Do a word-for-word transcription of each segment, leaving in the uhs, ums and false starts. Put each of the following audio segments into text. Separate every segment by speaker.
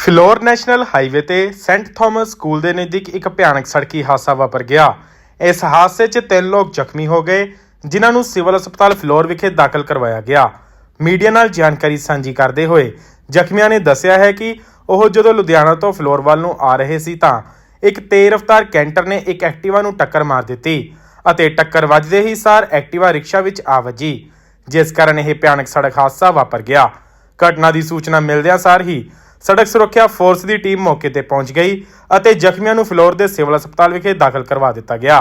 Speaker 1: Phillaur national highway ਤੇ Saint Thomas school ਦੇ ਨਜ਼ਦੀਕ ਇੱਕ ਭਿਆਨਕ ਸੜਕੀ ਹਾਦਸਾ ਵਾਪਰ ਗਿਆ। ਇਸ ਹਾਦਸੇ 'ਚ ਤਿੰਨ ਲੋਕ ਜ਼ਖਮੀ ਹੋ ਗਏ, ਜਿਨ੍ਹਾਂ ਨੂੰ ਸਿਵਲ ਹਸਪਤਾਲ ਫਿਲੌਰ ਵਿਖੇ ਦਾਖਲ ਕਰਵਾਇਆ ਗਿਆ। ਮੀਡੀਆ ਨਾਲ ਜਾਣਕਾਰੀ ਸਾਂਝੀ ਕਰਦੇ ਹੋਏ ਜ਼ਖਮੀਆਂ ਨੇ ਦੱਸਿਆ ਹੈ ਕਿ ਉਹ ਜਦੋਂ ਲੁਧਿਆਣਾ ਤੋਂ ਫਿਲੌਰ ਵੱਲ ਨੂੰ ਆ ਰਹੇ ਸੀ ਤਾਂ ਇੱਕ ਤੇਜ਼ ਰਫ਼ਤਾਰ ਕੈਂਟਰ ਨੇ ਇੱਕ ਐਕਟਿਵਾ ਨੂੰ ਟੱਕਰ ਮਾਰ ਦਿੱਤੀ ਅਤੇ ਟੱਕਰ ਵੱਜਦੇ ਹੀ ਸਾਰ ਐਕਟਿਵਾ ਰਿਕਸ਼ਾ ਵਿੱਚ ਆ ਵੱਜੀ, ਜਿਸ ਕਾਰਨ ਇਹ ਭਿਆਨਕ ਸੜਕ ਹਾਦਸਾ ਵਾਪਰ ਗਿਆ। ਘਟਨਾ ਦੀ ਸੂਚਨਾ ਮਿਲਦਿਆਂ ਸਾਰ ਹੀ ਸੜਕ ਸੁਰੱਖਿਆ ਫੋਰਸ ਦੀ ਟੀਮ ਮੌਕੇ ਤੇ ਪਹੁੰਚ ਗਈ ਅਤੇ ਜ਼ਖਮੀਆਂ ਨੂੰ ਫਿਲੌਰ ਦੇ ਸਿਵਲ ਹਸਪਤਾਲ ਵਿਖੇ ਦਾਖਲ ਕਰਵਾ ਦਿੱਤਾ ਗਿਆ।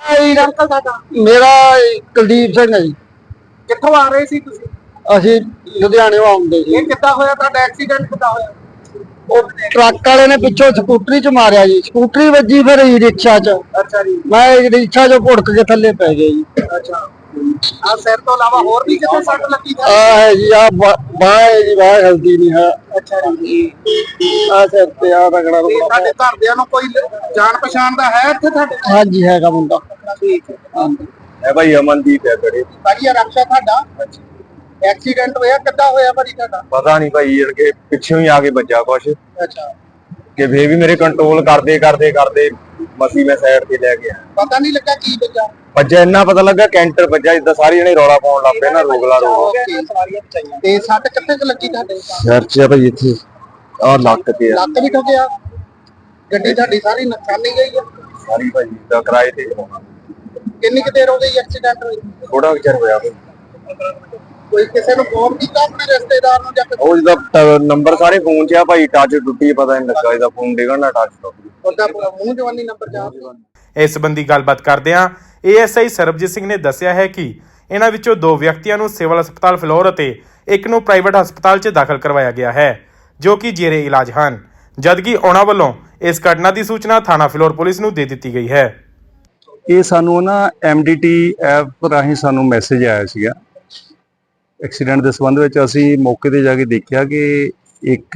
Speaker 2: ਮੇਰਾ ਕੁਲਦੀਪ ਸਿੰਘ ਹੈ ਜੀ।
Speaker 3: ਕਿੱਥੋਂ ਆ ਰਹੇ ਸੀ ਤੁਸੀਂ?
Speaker 2: ਅਸੀਂ ਲੁਧਿਆਣੇੋਂ ਆਉਂਦੇ ਸੀ।
Speaker 3: ਇਹ ਕਿੱਦਾਂ ਹੋਇਆ ਤੁਹਾਡਾ ਐਕਸੀਡੈਂਟ? ਕਿੱਦਾਂ ਹੋਇਆ?
Speaker 2: ਉਹ ਟਰੱਕ ਵਾਲੇ ਨੇ ਪਿੱਛੋਂ ਸਕੂਟਰੀ ਚ ਮਾਰਿਆ ਜੀ। ਸਕੂਟਰੀ ਵੱਜੀ ਫਿਰ ਈ ਰਿਕਸ਼ਾ ਚ।
Speaker 3: ਅੱਛਾ ਜੀ।
Speaker 2: ਮੈਂ ਰਿਕਸ਼ਾ ਚੋਂ ਭੁੜਕ ਕੇ ਥੱਲੇ ਪੈ ਗਿਆ ਜੀ।
Speaker 3: ਅੱਛਾ। ਆ ਸਿਰ ਤੋਂ ਇਲਾਵਾ ਹੋਰ ਵੀ ਕਿਤੇ ਸੱਟ ਲੱਗੀ?
Speaker 2: ਆ ਹੈ ਜੀ, ਆ ਬਾਹ ਹੈ ਜੀ, ਬਾਹ ਹਲਦੀ ਨਹੀਂ ਹੈ।
Speaker 3: ਅੱਛਾ ਜੀ।
Speaker 2: ਆ ਸਿਰ ਤੇ ਆ ਰਗੜਾ
Speaker 3: ਤੇ ਤੁਹਾਡੇ ਘਰਦਿਆਂ ਨੂੰ ਕੋਈ ਜਾਣ ਪਛਾਣ ਦਾ ਹੈ ਇੱਥੇ ਤੁਹਾਡੇ?
Speaker 2: ਹਾਂਜੀ ਹੈਗਾ ਮੁੰਡਾ।
Speaker 3: ਠੀਕ ਹੈ।
Speaker 2: ਹੈ ਭਾਈ ਅਮਨਦੀਪ ਹੈ ਬੜੇ
Speaker 3: ਭਾਈ ਇਹ ਰਕਸ਼ਾ ਤੁਹਾਡਾ ਐਕਸੀਡੈਂਟ ਹੋਇਆ? ਕਿੱਦਾਂ ਹੋਇਆ ਭਾਈ ਤੁਹਾਡਾ?
Speaker 2: ਪਤਾ ਨਹੀਂ ਭਾਈ, ਜਣ ਕੇ ਪਿੱਛੋਂ ਹੀ ਆ ਕੇ ਵੱਜਾ ਕੁਛ
Speaker 3: ਅੱਛਾ।
Speaker 2: ਕਿ ਫੇਰ ਵੀ ਮੇਰੇ ਕੰਟਰੋਲ ਕਰਦੇ ਕਰਦੇ ਕਰਦੇ ਮਸੀ ਮੈਂ ਸਾਈਡ ਤੇ ਲੈ ਗਿਆ।
Speaker 3: ਪਤਾ ਨਹੀਂ ਲੱਗਾ ਕੀ ਵੱਜਾ?
Speaker 2: ਵੱਜਾ ਇੰਨਾ ਪਤਾ ਲੱਗਾ ਕੈਂਟਰ ਵੱਜਾ, ਜਿੱਦਾਂ ਸਾਰੇ ਜਣੇ ਰੌਲਾ ਪਾਉਣ ਲੱਗ ਪਏ ਨਾ, ਰੋਗਲਾ ਰੋਗ।
Speaker 3: ਤੇ ਸੱਟ ਕਿੱਥੇ ਕੁ ਲੱਗੀ ਤੁਹਾਡੇ?
Speaker 2: ਸਿਰ 'ਚ ਆ ਭਾਈ, ਇੱਥੇ ਆ ਲੱਕ ਤੇ ਆ।
Speaker 3: ਲੱਕ ਵੀ ਠੋਕਿਆ? ਗੱਡੀ ਤੁਹਾਡੀ ਸਾਰੀ ਨੁਕਸਾਨੀ ਗਈ ਆ?
Speaker 2: ਸਾਰੀ ਭਾਈ ਦਾ ਕਿਰਾਏ ਤੇ।
Speaker 3: ਕਿੰਨੀ ਕੁ ਦੇਰ ਹੋ ਗਈ ਐਕਸੀਡੈਂਟ ਹੋਈ?
Speaker 2: ਥੋੜਾ ਚਿਰ ਹੋਇਆ ਭਾਈ।
Speaker 3: ਕੋਈ ਕਿਸੇ ਨੂੰ ਫੋਨ ਕੀਤਾ ਆਪਣੇ ਰਿਸ਼ਤੇਦਾਰ ਨੂੰ ਜਾਂ
Speaker 2: ਉਹ ਜਿਹਦਾ ਨੰਬਰ ਸਾਰੇ ਫੋਨ 'ਚ ਆ ਭਾਈ, ਟੱਚ ਟੁੱਟੀ ਪਤਾ ਨਹੀਂ ਲੱਗਾ, ਇਹਦਾ ਫੋਨ ਡਿੱਗਣ ਦਾ ਟੱਚ ਟੁੱਟ ਗਿਆ।
Speaker 3: ਉਹਦਾ ਮੂੰਹ ਜਵਾਨੀ ਨੰਬਰ ਜਾ।
Speaker 1: ਇਸ ਸੰਬੰਧੀ ਗੱਲਬਾਤ ਕਰਦਿਆਂ A S I Sarabjit Singh ਨੇ ਦੱਸਿਆ ਹੈ ਕਿ ਇਹਨਾਂ ਵਿੱਚੋਂ ਦੋ ਵਿਅਕਤੀਆਂ ਨੂੰ ਸਿਵਲ ਹਸਪਤਾਲ ਫਿਲੌਰ ਅਤੇ ਇੱਕ ਨੂੰ ਪ੍ਰਾਈਵੇਟ ਹਸਪਤਾਲ 'ਚ ਦਾਖਲ ਕਰਵਾਇਆ ਗਿਆ ਹੈ, ਜੋ ਕਿ ਜੇਰੇ ਇਲਾਜ ਹਨ, ਜਦਕਿ ਉਹਨਾਂ ਵੱਲੋਂ ਇਸ ਘਟਨਾ ਦੀ ਸੂਚਨਾ ਥਾਣਾ ਫਿਲੌਰ ਪੁਲਿਸ ਨੂੰ ਦੇ ਦਿੱਤੀ ਗਈ ਹੈ।
Speaker 4: ਇਹ ਸਾਨੂੰ ਨਾ ਐਮ ਡੀ ਟੀ ਐਪ ਰਾਹੀਂ ਸਾਨੂੰ ਮੈਸੇਜ ਆਇਆ ਸੀਗਾ ਐਕਸੀਡੈਂਟ ਦੇ ਸੰਬੰਧ ਵਿੱਚ। ਅਸੀਂ ਮੌਕੇ ਤੇ ਜਾ ਕੇ ਦੇਖਿਆ ਕਿ ਇੱਕ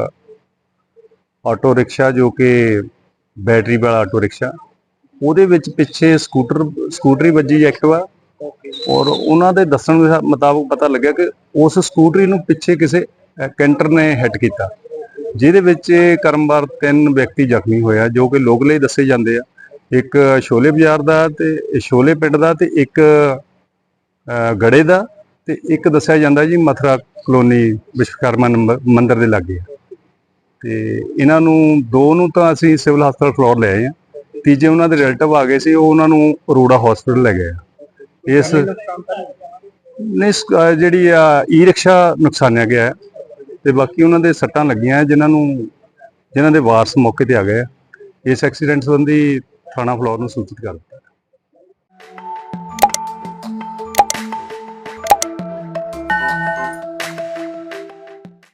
Speaker 4: ਆਟੋ ਰਿਕਸ਼ਾ, ਜੋ ਕਿ ਬੈਟਰੀ ਵਾਲਾ ਆਟੋ ਰਿਕਸ਼ਾ, ਉਹਦੇ ਵਿੱਚ ਪਿੱਛੇ ਸਕੂਟਰ ਸਕੂਟਰੀ ਵੱਜੀ ਐਕਟਿਵਾ, ਔਰ ਉਹਨਾਂ ਦੇ ਦੱਸਣ ਦੇ ਮੁਤਾਬਕ ਪਤਾ ਲੱਗਿਆ ਕਿ ਉਸ ਸਕੂਟਰੀ ਨੂੰ ਪਿੱਛੇ ਕਿਸੇ ਕੈਂਟਰ ਨੇ ਹਿੱਟ ਕੀਤਾ, ਜਿਹਦੇ ਵਿੱਚ ਕਰਮਵਾਰ ਤਿੰਨ ਵਿਅਕਤੀ ਜ਼ਖਮੀ ਹੋਇਆ, ਜੋ ਕਿ ਲੋਕਲੇ ਦੱਸੇ ਜਾਂਦੇ ਆ। ਇੱਕ ਸ਼ੋਲੇ ਬਾਜ਼ਾਰ ਦਾ ਤੇ ਸ਼ੋਲੇ ਪਿੰਡ ਦਾ, ਤੇ ਇੱਕ ਗੜੇ ਦਾ, ਤੇ ਇੱਕ ਦੱਸਿਆ ਜਾਂਦਾ ਜੀ ਮਥੁਰਾ ਕਲੋਨੀ ਵਿਸ਼ਵਕਰਮਾ ਮੰਦਿਰ ਦੇ ਲਾਗੇ। ਤੇ ਇਹਨਾਂ ਨੂੰ ਦੋ ਨੂੰ ਤਾਂ ਅਸੀਂ ਸਿਵਲ ਹਸਪਤਾਲ ਫਿਲੌਰ ਲੈ ਆਏ ਆ, ਤੀਜੇ ਉਹਨਾਂ ਦੇ ਰਿਲੇਟਿਵ ਆ ਗਏ ਸੀ, ਉਹ ਉਹਨਾਂ ਨੂੰ ਅਰੋੜਾ ਹਸਪੀਟਲ ਲੈ ਗਏ ਆ। ਇਸ ਨਹੀਂ ਜਿਹੜੀ ਆ ਈ ਰਿਕਸ਼ਾ ਨੁਕਸਾਨਿਆ ਗਿਆ ਹੈ, ਤੇ ਬਾਕੀ ਉਹਨਾਂ ਦੇ ਸੱਟਾਂ ਲੱਗੀਆਂ, ਜਿਨ੍ਹਾਂ ਨੂੰ ਜਿਨ੍ਹਾਂ ਦੇ ਵਾਰਸ ਮੌਕੇ ਤੇ ਆ ਗਏ ਆ। ਇਸ ਐਕਸੀਡੈਂਟ ਸੰਬੰਧੀ ਥਾਣਾ ਫਿਲੌਰ ਨੂੰ ਸੂਚਿਤ ਕਰ ਦਿੱਤਾ।